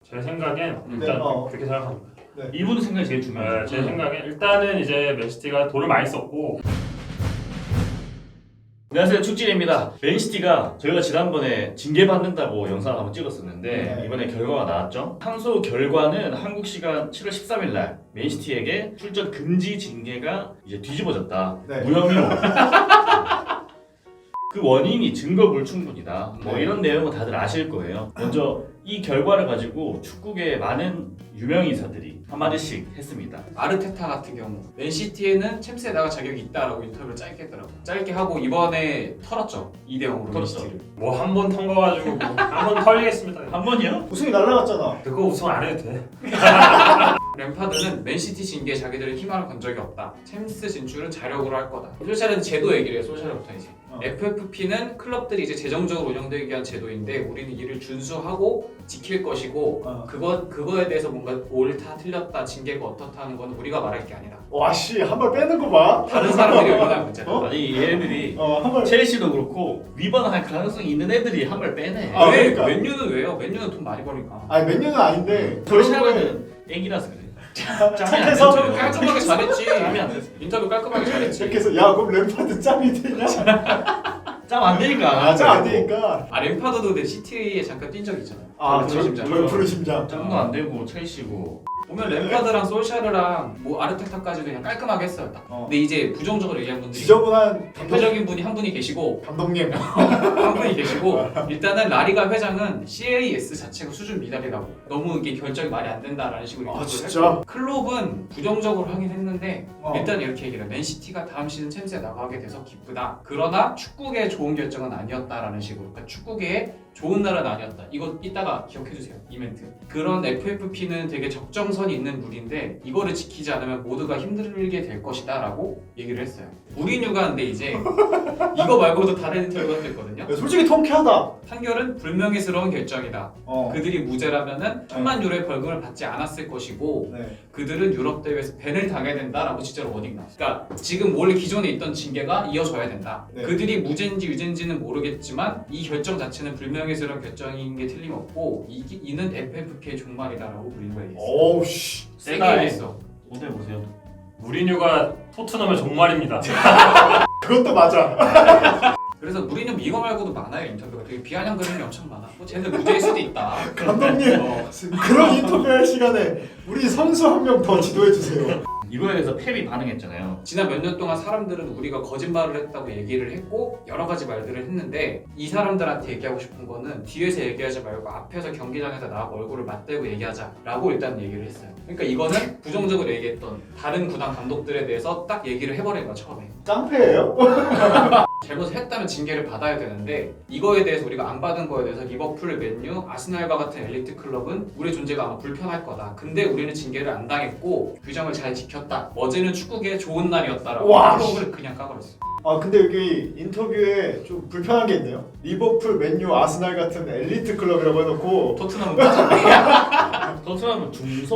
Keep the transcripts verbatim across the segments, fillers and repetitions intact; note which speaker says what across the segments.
Speaker 1: 제 생각엔
Speaker 2: 네,
Speaker 1: 일단
Speaker 2: 어.
Speaker 1: 그렇게 생각합니다.
Speaker 2: 네.
Speaker 3: 이분 생각이 제일 중요해요.
Speaker 1: 네, 제 생각엔 일단은 이제 맨시티가 돈을 많이 썼고.
Speaker 3: 안녕하세요, 축진입니다. 맨시티가 저희가 지난번에 징계받는다고 영상을 한번 찍었었는데
Speaker 2: 네.
Speaker 3: 이번에 결과가 나왔죠. 항소 결과는 한국 시간 칠월 십삼일 날 맨시티에게 출전 금지 징계가 이제 뒤집어졌다.
Speaker 2: 네.
Speaker 3: 무혐의로. 그 원인이 증거 불충분이다. 뭐
Speaker 2: 네.
Speaker 3: 이런 내용은 다들 아실 거예요. 먼저 이 결과를 가지고 축구계의 많은 유명 인사들이 한마디씩 했습니다.
Speaker 4: 아르테타 같은 경우 맨시티에는 챔스에 나갈 자격이 있다라고 인터뷰를 짧게 했더라고. 짧게 하고 이번에 털었죠. 이 대 영으로
Speaker 3: 털었어.
Speaker 4: 맨시티를.
Speaker 1: 뭐 한 번 턴거가지고 뭐 한 번 털리겠습니다.
Speaker 3: 한 번이요?
Speaker 2: 우승이 날라갔잖아.
Speaker 1: 그거 우승 안 해도 돼.
Speaker 4: 램파드는 맨시티 징계에 자기들은 희망을 건 적이 없다. 챔스 진출은 자력으로 할 거다. 솔샤르는 제도 얘기를 해요. 솔샤르부터 이제.
Speaker 2: 어.
Speaker 4: 에프에프피는 클럽들이 이제 재정적으로 운영되기 위한 제도인데 우리는 이를 준수하고 지킬 것이고
Speaker 2: 어.
Speaker 4: 그거 그거에 대해서 뭔가 옳다 틀렸다 징계가 어떻다 하는 건 우리가 말할 게 아니다.
Speaker 2: 와씨 한 발 빼는 거 봐.
Speaker 4: 다른 사람들이 의견할 문제다.
Speaker 2: 어?
Speaker 3: 아니 얘네들이
Speaker 2: 어한 발.
Speaker 3: 첼시도 그렇고 위반할 가능성이 있는 애들이 한 발 빼네.
Speaker 2: 아,
Speaker 4: 왜
Speaker 2: 그러니까.
Speaker 4: 맨유는 왜요? 맨유는 돈 많이 버니까.
Speaker 2: 아니 맨유는 아닌데.
Speaker 3: 솔샤르는 애기라서 그래.
Speaker 2: 착해서
Speaker 4: 인터뷰 깔끔하게 잘했지.
Speaker 3: 짬이 안 됐어.
Speaker 4: 인터뷰 깔끔하게 잘했지.
Speaker 2: 이렇게 해서 야 그럼 램파드 짬이 되냐?
Speaker 3: 짬 안 되니까.
Speaker 2: 아짬 안 되니까.
Speaker 4: 아 램파드도 근데 시티에 잠깐 뛴 적이 있잖아요.
Speaker 2: 아
Speaker 4: 푸른 심장.
Speaker 2: 저 푸른 심장.
Speaker 3: 짬도 안 되고 첼시고.
Speaker 4: 보면 램파드랑 솔샤르랑 뭐 아르테타까지도 그냥 깔끔하게 했어요. 딱.
Speaker 2: 어.
Speaker 4: 근데 이제 부정적으로 얘기한 분들이
Speaker 2: 지저분한 감독,
Speaker 4: 대표적인 분이 한 분이 계시고
Speaker 2: 감독님.
Speaker 4: 한 분이 계시고 일단은 라리가 회장은 씨에이에스 자체가 수준 미달이라고 너무 이게 결정이 말이 안 된다라는 식으로
Speaker 2: 아,
Speaker 4: 인터뷰를
Speaker 2: 진짜?
Speaker 4: 했고 클롭은 부정적으로 하긴 했는데
Speaker 2: 어.
Speaker 4: 일단 이렇게 얘기를 해요. 맨시티가 다음 시즌 챔스에 나가게 돼서 기쁘다. 그러나 축구계의 좋은 결정은 아니었다라는 식으로 그러니까 축구계의 좋은 날은 아니었다. 이거 이따가 기억해주세요. 이 멘트. 그런 에프에프피는 되게 적정선이 있는 룰인데 이거를 지키지 않으면 모두가 힘들게 될 것이다 라고 얘기를 했어요. 무리뉴가 근데 이제 이거 말고도 다른 인터뷰가 또 있거든요.
Speaker 2: 야, 솔직히 통쾌하다.
Speaker 4: 판결은 불명예스러운 결정이다.
Speaker 2: 어.
Speaker 4: 그들이 무죄라면은 천만 유로의 벌금을 받지 않았을 것이고
Speaker 2: 네.
Speaker 4: 그들은 유럽 대회에서 밴을 당해야 된다라고 진짜로 워딩 나왔어. 그러니까 지금 원래 기존에 있던 징계가 이어져야 된다.
Speaker 2: 네.
Speaker 4: 그들이 무죄인지 유죄인지는 모르겠지만 이 결정 자체는 불명예스러운 결정인 게 틀림없고 이, 이는 에프에프피의 종말이다라고 무리뉴가 얘기했어.
Speaker 2: 어우 씨.
Speaker 4: 세게
Speaker 1: 세다.
Speaker 4: 얘기했어.
Speaker 3: 오늘 보세요.
Speaker 1: 무리뉴가 토트넘의 종말입니다.
Speaker 2: 그것도 맞아.
Speaker 4: 그래서 무리뉴 이거 말고도 많아요. 인터뷰가 되게 비아냥 그림이 엄청 많아. 뭐 쟤는 무죄일 수도 있다.
Speaker 2: 감독님
Speaker 4: 어.
Speaker 2: 그런 인터뷰할 시간에 우리 선수 한 명 더 지도해 주세요.
Speaker 3: 이거에 대해서 펩이 반응했잖아요.
Speaker 4: 지난 몇 년 동안 사람들은 우리가 거짓말을 했다고 얘기를 했고 여러 가지 말들을 했는데 이 사람들한테 얘기하고 싶은 거는 뒤에서 얘기하지 말고 앞에서 경기장에서 나하고 얼굴을 맞대고 얘기하자라고 일단 얘기를 했어요. 그러니까 이거는 부정적으로 얘기했던 다른 구단 감독들에 대해서 딱 얘기를 해버린 거야 처음에.
Speaker 2: 깡패예요?
Speaker 4: 잘못을 했다면 징계를 받아야 되는데 이거에 대해서 우리가 안 받은 거에 대해서 리버풀, 맨유, 아스날과 같은 엘리트 클럽은 우리 존재가 아마 불편할 거다. 근데 우리는 징계를 안 당했고 규정을 잘 지켰다. 어제는 축구계의 좋은 날이었다라고
Speaker 2: 와,
Speaker 4: 클럽을 그냥 까버렸어.
Speaker 2: 아 근데 여기 인터뷰에 좀 불편한 게 있네요. 리버풀, 맨유, 아스날 같은 엘리트 클럽이라고 해놓고
Speaker 4: 토트넘은 빠졌네.
Speaker 3: 토트넘은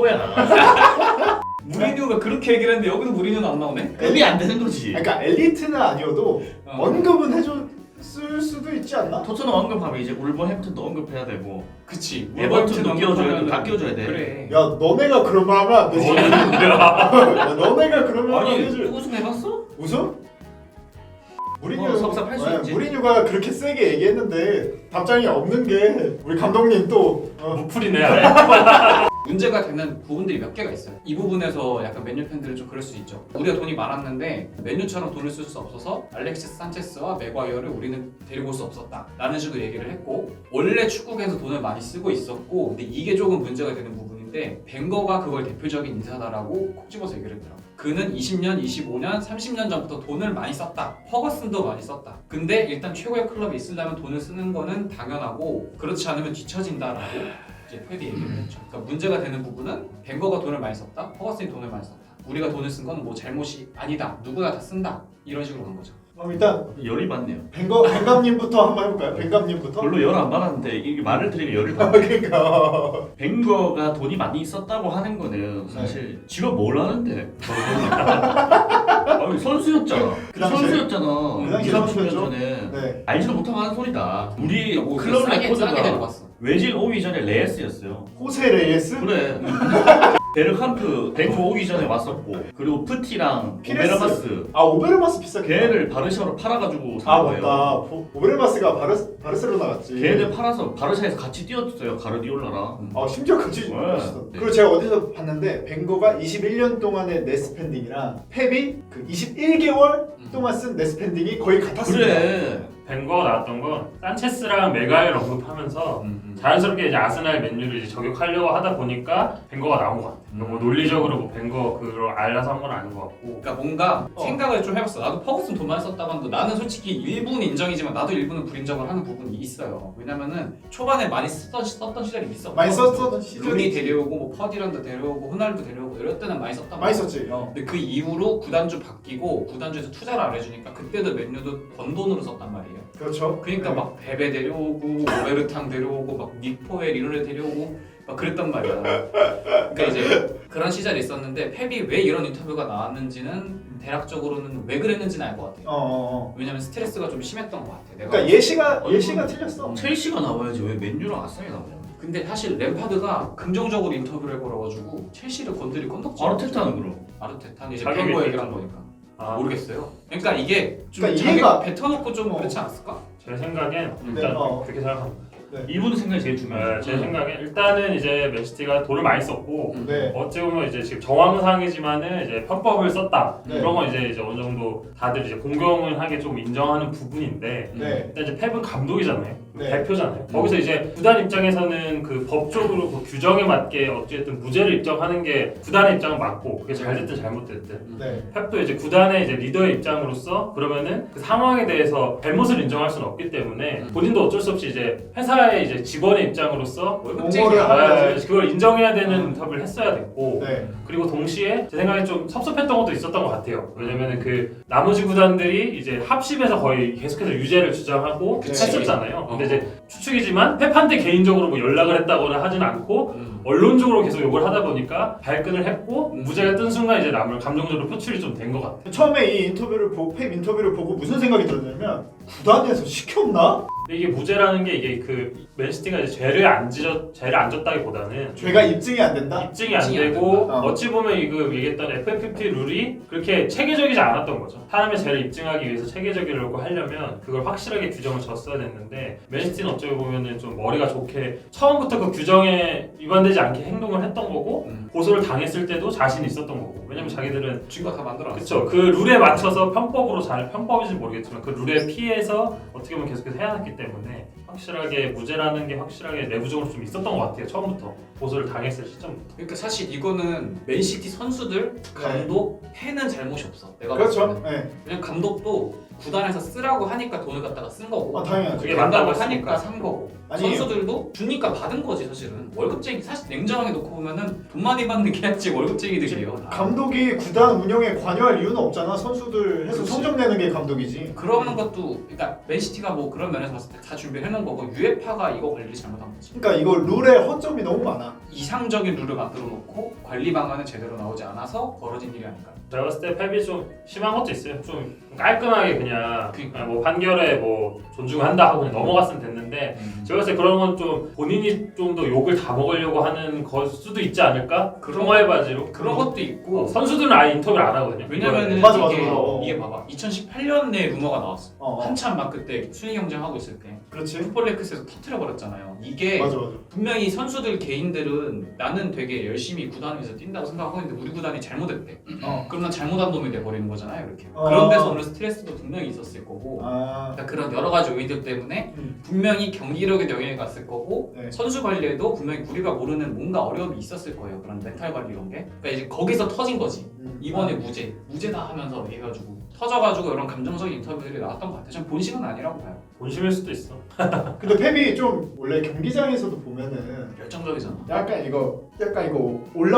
Speaker 3: 중소야.
Speaker 4: 무리뉴가 그렇게 얘기를 했는데 여기도 무리뉴는 안 나오네?
Speaker 3: 급이 안 되는 거지.
Speaker 2: 그러니까 엘리트는 아니어도
Speaker 4: 어.
Speaker 2: 언급은 해줬을 수도 있지 않나?
Speaker 3: 토트넘 언급하면 이제 울버햄튼도 언급해야 되고
Speaker 4: 그치.
Speaker 3: 에버튼도 끼워줘야 돼.
Speaker 4: 언급하면은-
Speaker 3: 다 끼워줘야 돼.
Speaker 4: 그래.
Speaker 2: 야 너네가 그런 말 하면 안 되지.
Speaker 1: 뭐,
Speaker 2: 야, 너네가 그런 말 하면 안
Speaker 3: 아니
Speaker 2: 되지.
Speaker 3: 우승해봤어?
Speaker 2: 우승? 무리뉴
Speaker 3: 어, 섭섭할 수
Speaker 2: 네,
Speaker 3: 있지.
Speaker 2: 무리뉴가 그렇게 세게 얘기했는데 답장이 없는 게 우리 감독님 또 어,
Speaker 1: 무풀이네.
Speaker 4: 문제가 되는 부분들이 몇 개가 있어요. 이 부분에서 약간 맨유 팬들은 좀 그럴 수 있죠. 우리가 돈이 많았는데 맨유처럼 돈을 쓸 수 없어서 알렉시스 산체스와 맥과이어를 우리는 데리고 올 수 없었다 라는 식으로 얘기를 했고 원래 축구계에서 돈을 많이 쓰고 있었고 근데 이게 조금 문제가 되는 부분인데 벵거가 그걸 대표적인 인사다라고 콕 집어서 얘기를 했더라고요. 그는 이십 년, 이십오 년, 삼십 년 전부터 돈을 많이 썼다. 퍼거슨도 많이 썼다. 근데 일단 최고의 클럽이 있으려면 돈을 쓰는 거는 당연하고 그렇지 않으면 뒤처진다라고 이제 펩이 얘기를 했죠. 그러니까 문제가 되는 부분은 벵거가 돈을 많이 썼다. 퍼거슨이 돈을 많이 썼다. 우리가 돈을 쓴 건 뭐 잘못이 아니다. 누구나 다 쓴다. 이런 식으로 간 거죠.
Speaker 2: 그럼 일단
Speaker 3: 열이 받네요.
Speaker 2: 벵거 벵감님부터 한번 해볼까요? 벵감님부터.
Speaker 3: 별로 열 안 받았는데 이게 말을 들으면 열을
Speaker 2: 아,
Speaker 3: 받네.
Speaker 2: 그러니까
Speaker 3: 벵거가 돈이 많이 있었다고 하는 거는 사실 지가 뭘 하는데 아니 선수였잖아.
Speaker 2: 그 당시에-
Speaker 3: 선수였잖아.
Speaker 2: 그 당시에
Speaker 3: 이삼십 년
Speaker 2: 선수였죠.
Speaker 3: 전에
Speaker 2: 네.
Speaker 3: 알지도 못하고 하는 소리다. 우리
Speaker 4: 뭐
Speaker 3: 클럽
Speaker 4: 싸게 싸게
Speaker 3: 레코드가
Speaker 4: 데려갔어.
Speaker 3: 외질 오기 전에 레이스였어요.
Speaker 2: 호세 레이스?
Speaker 3: 그래. 베르캄프 벤투 오기 전에 왔었고 그리고 프티랑
Speaker 2: 피레스.
Speaker 3: 오베르마스
Speaker 2: 아 오베르마스 비싸게.
Speaker 3: 걔를 바르샤로 팔아가지고 산
Speaker 2: 아
Speaker 3: 거예요.
Speaker 2: 맞다. 보- 오베르마스가 바르 바르셀로나 갔지.
Speaker 3: 걔를 팔아서 바르샤에서 같이 뛰었어요. 가르디올라랑.
Speaker 2: 아 심지어 같이
Speaker 3: 네.
Speaker 2: 있었어.
Speaker 3: 네.
Speaker 2: 그리고 제가 어디서 봤는데 벵거가 이십일 년 동안의 네스펜딩이랑 펩이 그 이십일 개월 동안 쓴 네스펜딩이 거의 같았습니다.
Speaker 3: 그래.
Speaker 1: 벤거가 나왔던 건 산체스랑 메가이를 언급하면서
Speaker 4: 음, 음.
Speaker 1: 자연스럽게 이제 아스날 맨유를 이제 저격하려고 하다 보니까 벤거가 나온 것 같아.
Speaker 4: 음.
Speaker 1: 뭐 논리적으로 뭐 벤거 그걸 알아서 한 건 아닌 것 같고.
Speaker 4: 그러니까 뭔가
Speaker 2: 어.
Speaker 4: 생각을 좀 해봤어. 나도 퍼거슨 돈 많이 썼다고 하는데 나는 솔직히 일부는 인정이지만 나도 일부는 불인정을 하는 부분이 있어요. 왜냐면은 초반에 많이 쓰던, 썼던 시절이 있어.
Speaker 2: 많이 썼던 시절이
Speaker 4: 루니
Speaker 2: 있지.
Speaker 4: 데려오고 뭐 퍼디런드 데려오고 호날두 데려오고 이럴 때는 많이 썼단
Speaker 2: 많이
Speaker 4: 말이야.
Speaker 2: 썼지. 어.
Speaker 4: 근데 그 이후로 구단주 바뀌고 구단주에서 투자를 안 해주니까 그때도 맨유도 번 돈으로 썼단 말이에요.
Speaker 2: 그렇죠.
Speaker 4: 그러니까
Speaker 2: 네.
Speaker 4: 막 베베 데려오고 오베르탕 데려오고 막 닉포엘 이런 애 데려오고 막 그랬단 말이야. 그러니까 이제 그런 시절이 있었는데 펩이 왜 이런 인터뷰가 나왔는지는 대략적으로는 왜 그랬는지는 알 것 같아요.
Speaker 2: 어, 어, 어.
Speaker 4: 왜냐면 스트레스가 좀 심했던 것 같아. 내가.
Speaker 2: 그러니까 예시가
Speaker 3: 아니,
Speaker 2: 예시가
Speaker 3: 그럼-
Speaker 2: 틀렸어.
Speaker 3: 첼시가 나와야지 왜 맨유랑 아스날이 나오냐.
Speaker 4: 근데 사실 램파드가 긍정적으로 인터뷰를 해버려가지고 첼시를 건드릴 건덕지.
Speaker 3: 아르테타는 그럼.
Speaker 4: 아르테타는 이제
Speaker 1: 자격이
Speaker 4: 뱅거
Speaker 1: 있겠죠.
Speaker 4: 얘기를 한 거니까.
Speaker 1: 아,
Speaker 4: 모르겠어요. 그러니까 이게 좀
Speaker 2: 그러니까
Speaker 4: 자기
Speaker 2: 이해가-
Speaker 4: 뱉어놓고 좀
Speaker 2: 어.
Speaker 4: 그렇지 않았을까?
Speaker 1: 제 생각엔
Speaker 4: 음.
Speaker 1: 일단
Speaker 2: 네, 어.
Speaker 1: 그렇게 생각합니다.
Speaker 3: 이분 생각이 제일
Speaker 1: 네,
Speaker 3: 중요해요.
Speaker 1: 제 생각엔 일단은 이제 맨시티가 돈을 많이 썼고
Speaker 4: 음.
Speaker 2: 네.
Speaker 1: 어찌 보면 이제 지금 정황상이지만은 이제 편법을 썼다.
Speaker 2: 네.
Speaker 1: 그런 건 이제, 이제 어느 정도 다들 이제 공경을 하게 좀 인정하는 부분인데
Speaker 2: 네.
Speaker 1: 일단 이제 펩은 감독이잖아요.
Speaker 2: 네.
Speaker 1: 대표잖아요. 거기서 이제 구단 입장에서는 그 법적으로 그 규정에 맞게 어쨌든 무죄를 입증하는 게 구단의 입장은 맞고 그게 잘 됐든 잘못됐든
Speaker 2: 네.
Speaker 1: 펩도 이제 구단의 이제 리더의 입장으로서 그러면은 그 상황에 대해서 잘못을 인정할 수는 없기 때문에
Speaker 4: 음.
Speaker 1: 본인도 어쩔 수 없이 이제 회사의 이제 직원의 입장으로서
Speaker 4: 월급쟁이야.
Speaker 2: 아,
Speaker 1: 아, 그걸 인정해야 되는
Speaker 4: 음.
Speaker 1: 인터뷰를 했어야 됐고
Speaker 2: 네.
Speaker 1: 그리고 동시에 제 생각에 좀 섭섭했던 것도 있었던 것 같아요. 왜냐면은 그 나머지 구단들이 이제 합심해서 거의 계속해서 유죄를 주장하고
Speaker 2: 그치.
Speaker 1: 했었잖아요. 근데
Speaker 4: 어.
Speaker 1: 이제 추측이지만 펩한테 개인적으로 뭐 연락을 했다거나 하진 않고
Speaker 4: 음.
Speaker 1: 언론적으로 계속 욕을 하다 보니까 발끈을 했고
Speaker 4: 음.
Speaker 1: 무죄가 뜬 순간 이제 남을 감정적으로 표출이 좀 된 것 같아요.
Speaker 2: 처음에 이 인터뷰를 보고 펩 인터뷰를 보고 무슨 생각이 들었냐면 구단에서 시켰나?
Speaker 1: 근데 이게 무죄라는 게 이게 그 맨시티가 이제 죄를 안 지졌 죄를 안 졌다기보다는
Speaker 2: 죄가 입증이 안 된다.
Speaker 1: 입증이 안
Speaker 4: 입증이 안
Speaker 1: 되고
Speaker 2: 된다. 어.
Speaker 1: 어찌 보면 이거 얘기했던 에프에프피 룰이 그렇게 체계적이지 않았던 거죠. 사람의 죄를 입증하기 위해서 체계적이라고 하려면 그걸 확실하게 규정을 졌어야 됐는데 맨시티는 어찌 보면은 좀 머리가 좋게 처음부터 그 규정에 위반되지 않게 행동을 했던 거고
Speaker 4: 음.
Speaker 1: 고소를 당했을 때도 자신이 있었던 거고 왜냐면 자기들은
Speaker 4: 증거 다 만들어놨어.
Speaker 1: 그쵸 그 룰에 맞춰서 편법으로 잘 편법인지 모르겠지만 그 룰에 피해서 어떻게 보면 계속해서 해왔기 때문에 확실하게 무죄라는 게 확실하게 내부적으로 좀 있었던 것 같아요. 처음부터 고소를 당했을 시점부터.
Speaker 4: 그러니까 사실 이거는 맨시티 선수들, 감독, 팬은 잘못이 없어. 내가 봤을
Speaker 2: 그렇죠.
Speaker 4: 때는.
Speaker 2: 네.
Speaker 4: 그냥 감독도 구단에서 쓰라고 하니까 돈을 갖다가 쓴 거고
Speaker 2: 아 당연하죠.
Speaker 1: 그게
Speaker 4: 된다고
Speaker 1: 맞다고
Speaker 4: 하니까
Speaker 1: 했으니까.
Speaker 4: 산 거고
Speaker 2: 아니에요.
Speaker 4: 선수들도 주니까 받은 거지 사실은. 월급쟁이 사실 냉정하게 놓고 보면은 돈 많이 받는 게 아니지 월급쟁이들이에요. 다.
Speaker 2: 감독이 구단 운영에 관여할 이유는 없잖아. 선수들 해서
Speaker 4: 그렇지.
Speaker 2: 성적 내는 게 감독이지.
Speaker 4: 그러는 것도 그러니까 맨시티가 뭐 그런 면에서 봤을 때 다 준비를 해놓은 거고 유에파가 이거 관리를 잘못한 거지.
Speaker 2: 그러니까 이거 룰에 허점이 너무 많아.
Speaker 4: 이상적인 룰을 만들어 놓고 관리 방안은 제대로 나오지 않아서 벌어진 일이 아닐까.
Speaker 1: 제가 봤을 때 펩이 좀 심한 것도 있어요. 좀 깔끔하게 그냥,
Speaker 4: 그러니까.
Speaker 1: 그냥 뭐 판결에 뭐 존중한다 하고 그냥 넘어갔으면 됐는데 제가 봤을 때 그런 건 좀 본인이 좀 더 욕을 다 먹으려고 하는 걸 수도 있지 않을까?
Speaker 4: 그런
Speaker 1: 통화의 바지로.
Speaker 4: 그런 것도 있고
Speaker 1: 어, 선수들은 아예 인터뷰를 안 하거든요.
Speaker 4: 왜냐면은
Speaker 2: 맞아, 맞아,
Speaker 4: 이게,
Speaker 2: 맞아. 어.
Speaker 4: 이게 봐봐 이천십팔 년에 루머가 나왔어.
Speaker 2: 어, 어.
Speaker 4: 한참 막 그때 순위 경쟁하고 있을 때
Speaker 2: 그렇지.
Speaker 4: 풋볼레크스에서 터트려 버렸잖아요. 이게
Speaker 2: 맞아 맞아.
Speaker 4: 분명히 선수들 개인들은 나는 되게 열심히 구단에서 뛴다고 생각하고 있는데 우리 구단이 잘못했대.
Speaker 2: 어.
Speaker 4: 그럼 난 잘못한 놈이 돼버리는 거잖아요. 이렇게.
Speaker 2: 어.
Speaker 4: 그런 데서 오는 스트레스도 분명히 있었을 거고.
Speaker 2: 아.
Speaker 4: 그러니까 그런 여러 가지 요인들 때문에
Speaker 2: 음.
Speaker 4: 분명히 경기력에 영향이 갔을 거고
Speaker 2: 네.
Speaker 4: 선수 관리에도 분명히 우리가 모르는 뭔가 어려움이 있었을 거예요. 그런 멘탈 관리 이런 게. 그러니까 이제 거기서 터진 거지.
Speaker 2: 음.
Speaker 4: 이번에 무죄, 무죄다 하면서 해가지고 터져가지고 이런 감정적인 인터뷰들이 나왔던 것 같아요. 저는 본심은 아니라고 봐요.
Speaker 1: 본심일 수도 있어.
Speaker 2: 근데 펩이 좀 원래 경기장에서도 보면은
Speaker 4: 열정적이잖아.
Speaker 2: 약간 이거 약간 이거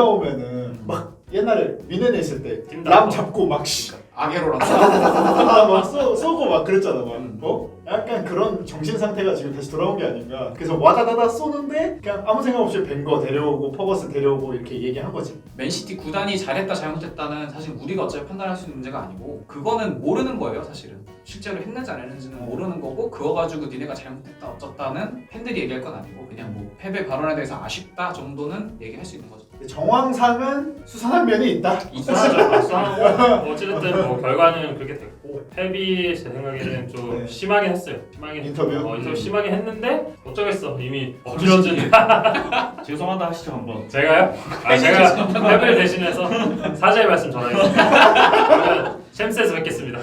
Speaker 2: 올라오면은 막 옛날에 미네네 있을 때
Speaker 1: 뛴다.
Speaker 2: 람 잡고 막 씨.
Speaker 4: 아게로랑
Speaker 2: 막 쏘, 쏘고 막 그랬잖아 막
Speaker 4: 음.
Speaker 2: 어? 약간 그런 정신 상태가 지금 다시 돌아온 게 아닌가. 그래서 와다다다 쏘는데 그냥 아무 생각 없이 벵거 데려오고 퍼거슨 데려오고 이렇게 얘기한 거지.
Speaker 4: 맨시티 구단이 잘했다 잘못했다는 사실 우리가 어차피 판단할 수 있는 문제가 아니고 그거는 모르는 거예요 사실은. 실제로 했는지 안 했는지는 모르는 거고 그거 가지고 니네가 잘못했다 어쩌다는 팬들이 얘기할 건 아니고 그냥 뭐 패배 발언에 대해서 아쉽다 정도는 얘기할 수 있는 거죠.
Speaker 2: 정황상은 수상한 면이 있다.
Speaker 1: 수상하죠. 수상하고 어찌됐든 뭐 결과는 그렇게 됐고 펩이 제 생각에는 좀
Speaker 2: 네.
Speaker 1: 심하게 했어요. 심하게
Speaker 2: 인터뷰?
Speaker 1: 어, 인터뷰
Speaker 2: 음.
Speaker 1: 심하게 했는데 어쩌겠어 이미
Speaker 3: 어쩌지?
Speaker 1: 어쩌지
Speaker 3: 죄송하다 하시죠 한번.
Speaker 1: 제가요? 아 제가 펩을 대신해서 사죄의 말씀 전하겠습니다. 그러면 챔스에서 뵙겠습니다.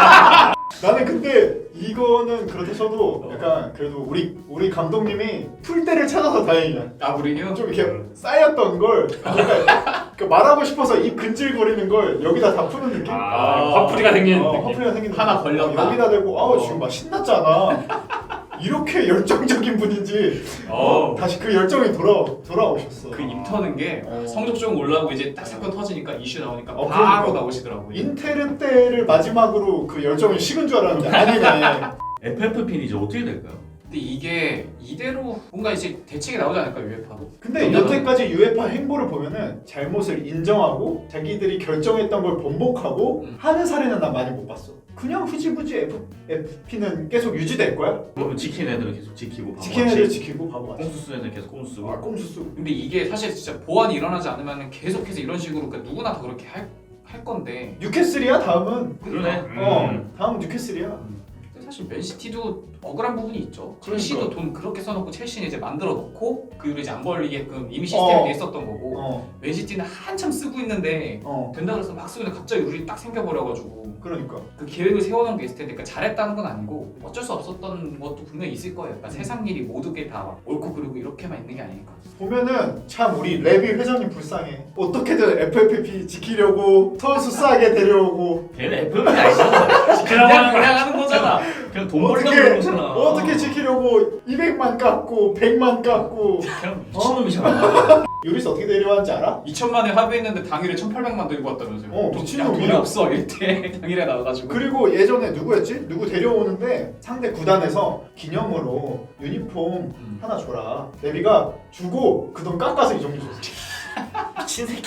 Speaker 2: 나는 근데 이거는 그렇다 쳐도 약간 그래도 우리 우리 감독님이 풀대를 찾아서 다행이야.
Speaker 4: 아 우리요?
Speaker 2: 좀 이렇게 쌓였던 걸 그러니까 그 말하고 싶어서 입 근질거리는 걸 여기다 다 푸는 느낌?
Speaker 1: 아 화풀이가 생기는
Speaker 2: 어,
Speaker 1: 느낌.
Speaker 2: 화풀이가 생기는
Speaker 4: 하나
Speaker 2: 느낌.
Speaker 4: 걸렸다.
Speaker 2: 어, 여기다 대고 아우 지금 막 신났잖아. 이렇게 열정적인 분인지
Speaker 1: 어.
Speaker 2: 다시 그 열정이 돌아 돌아오셨어.
Speaker 4: 그 입 터는 게
Speaker 2: 어.
Speaker 4: 성적 좀 올라오고 이제 딱 사건 터지니까 이슈 나오니까
Speaker 2: 어,
Speaker 4: 바로
Speaker 2: 그러니까.
Speaker 4: 나오시더라고요.
Speaker 2: 인테르 때를 마지막으로 그 열정이 식은 줄 알았는데 아니네.
Speaker 3: 에프에프피는 이제 어떻게 될까요?
Speaker 4: 근데 이게 이대로 뭔가 이제 대책이 나오지 않을까 유에파도.
Speaker 2: 근데 여태까지 유에파 행보를 보면은 잘못을 인정하고 자기들이 결정했던 걸 번복하고
Speaker 4: 음.
Speaker 2: 하는 사례는 난 많이 못 봤어. 그냥 흐지부지 F, 에프피는 계속 유지될 거야?
Speaker 3: 그러면 지킨 애들은 계속 지키고
Speaker 2: 지키는 애들 지키고 바보같이.
Speaker 3: 꼼수 쓰는 애들 계속 꼼수 쓰고.
Speaker 2: 아 꼼수 쓰고.
Speaker 4: 근데 이게 사실 진짜 보완이 일어나지 않으면 계속해서 이런 식으로 그러니까 누구나 다 그렇게 할, 할 건데
Speaker 2: 뉴캐슬이야 다음은.
Speaker 3: 그러네.
Speaker 1: 음.
Speaker 2: 어 다음 뉴캐슬이야.
Speaker 4: 근데 사실 맨시티도 억울한 부분이 있죠.
Speaker 2: 그러니까.
Speaker 4: 첼시도 돈 그렇게 써놓고 첼시는 이제 만들어 놓고 그 이후로 이제 안 걸리게끔 이미 시스템이
Speaker 2: 어.
Speaker 4: 돼 있었던 거고
Speaker 2: 어
Speaker 4: 맨시티는 한참 쓰고 있는데
Speaker 2: 어.
Speaker 4: 된다 그래서 막 쓰고 있는데 갑자기 룰이 딱 생겨버려가지고
Speaker 2: 그러니까.
Speaker 4: 그 계획을 세워놓은 게 있을 텐데 그러니까 잘했다는 건 아니고 어쩔 수 없었던 것도 분명히 있을 거예요. 그러니까 세상 일이 모두 게 다 옳고 그르고 이렇게만 있는 게 아니니까.
Speaker 2: 보면은 참 우리 레비 회장님 불쌍해. 어떻게든 에프에프피 지키려고 선수 싸게 데려오고
Speaker 3: 걔는 에프에프피 아니잖아.
Speaker 1: 지키라고
Speaker 4: 그냥
Speaker 1: 하는 거야.
Speaker 4: 그냥 하는 거잖아.
Speaker 3: 그냥 돈 벌려고
Speaker 2: 어떻게
Speaker 3: 그런 거잖아.
Speaker 2: 어떻게 지키려고 이백만 깎고 백만 깎고.
Speaker 3: 그냥 미친놈이잖아.
Speaker 2: 유리스 어떻게 데려왔는지 알아?
Speaker 4: 이천만에 합의했는데 당일에 천팔백만 들고 왔다면서요.
Speaker 2: 어,
Speaker 4: 돈,
Speaker 2: 미친놈이야.
Speaker 4: 야, 돈이 없어 이때 당일에 나와가지고.
Speaker 2: 그리고 예전에 누구였지? 누구 데려오는데 상대 구단에서 기념으로 유니폼
Speaker 4: 음.
Speaker 2: 하나 줘라. 레비가 주고 그 돈 깎아서 이 정도 줬어.
Speaker 3: 미친 새끼.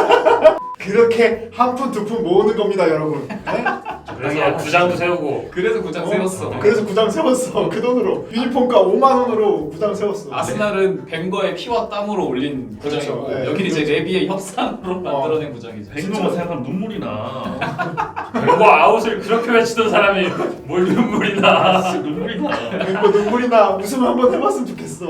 Speaker 2: 그렇게 한 푼 두 푼 모으는 겁니다, 여러분. 네?
Speaker 1: 그래서 구장도 세우고
Speaker 4: 그래서 구장
Speaker 2: 어,
Speaker 4: 세웠어.
Speaker 2: 그래서 구장 세웠어. 그 돈으로 유니폼가 오만 원으로 구장 세웠어.
Speaker 4: 아스날은 벵거의 피와 땀으로 올린
Speaker 2: 그렇죠.
Speaker 4: 구장이고
Speaker 2: 네,
Speaker 4: 여기는 이제
Speaker 2: 그렇죠.
Speaker 4: 레비의 협상으로 만들어낸 구장이죠.
Speaker 3: 백놈만 생각하면 눈물이 나.
Speaker 1: 뱅고 아웃을 그렇게 외치던 사람이 뭘 눈물이 나.
Speaker 3: 진짜 눈물이 나.
Speaker 2: 뭐 눈물이나 웃음 한번 해봤으면 좋겠어.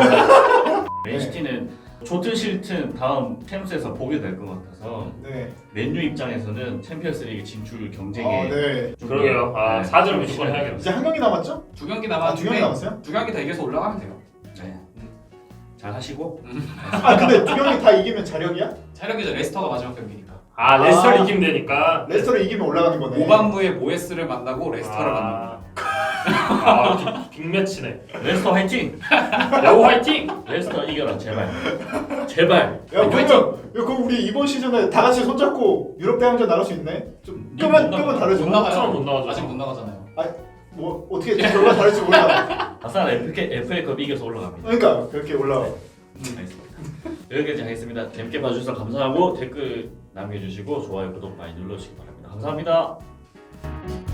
Speaker 3: 맨시티는 좋든 싫든 다음 챔스에서 보게 될 것 같아서
Speaker 2: 네.
Speaker 3: 맨유 입장에서는 챔피언스리그 진출 경쟁에
Speaker 2: 아, 네.
Speaker 3: 좀
Speaker 1: 그러게요. 아
Speaker 3: 네,
Speaker 1: 사주를
Speaker 3: 좀
Speaker 1: 무조건 해야겠네.
Speaker 2: 이제 한 경기 남았죠?
Speaker 4: 두 경기
Speaker 2: 아, 두
Speaker 4: 남았는데
Speaker 2: 경기 남았어요?
Speaker 4: 두 경기 다 이겨서 올라가면 돼요.
Speaker 3: 네. 잘 하시고
Speaker 2: 아, 근데 두 경기 다 이기면 자력이야?
Speaker 4: 차력이죠. 레스터가 마지막 경기니까.
Speaker 1: 아 레스터를
Speaker 2: 아.
Speaker 1: 이기면 되니까.
Speaker 2: 레스터를 이기면 올라가는 거네.
Speaker 4: 오반무에 모에스를 만나고 레스터를 만납니다.
Speaker 1: 아, 빅- 빅매치네.
Speaker 3: 레스터 화이팅!
Speaker 1: 야구 화이팅!
Speaker 3: 레스터 이겨라 제발. 제발.
Speaker 2: 야, 그러면 야, 그럼 우리 이번 시즌에 다 같이 손잡고 유럽 대항전 나갈 수 있네? 좀 끄면
Speaker 3: 못
Speaker 2: 끄면
Speaker 3: 나가.
Speaker 2: 다르지.
Speaker 4: 못 나가요.
Speaker 1: 못 나가죠.
Speaker 4: 아직 못 나가잖아요.
Speaker 2: 뭐 어떻게 결과 다를지 몰라.
Speaker 3: 아싸 에프에이컵 이겨서 올라갑니다.
Speaker 2: 그러니까 그렇게 올라와.
Speaker 3: 알겠습니다. 여기까지 하겠습니다. 재밌게 봐주셔서 감사하고 댓글 남겨주시고 좋아요 구독 많이 눌러주시기 바랍니다. 감사합니다.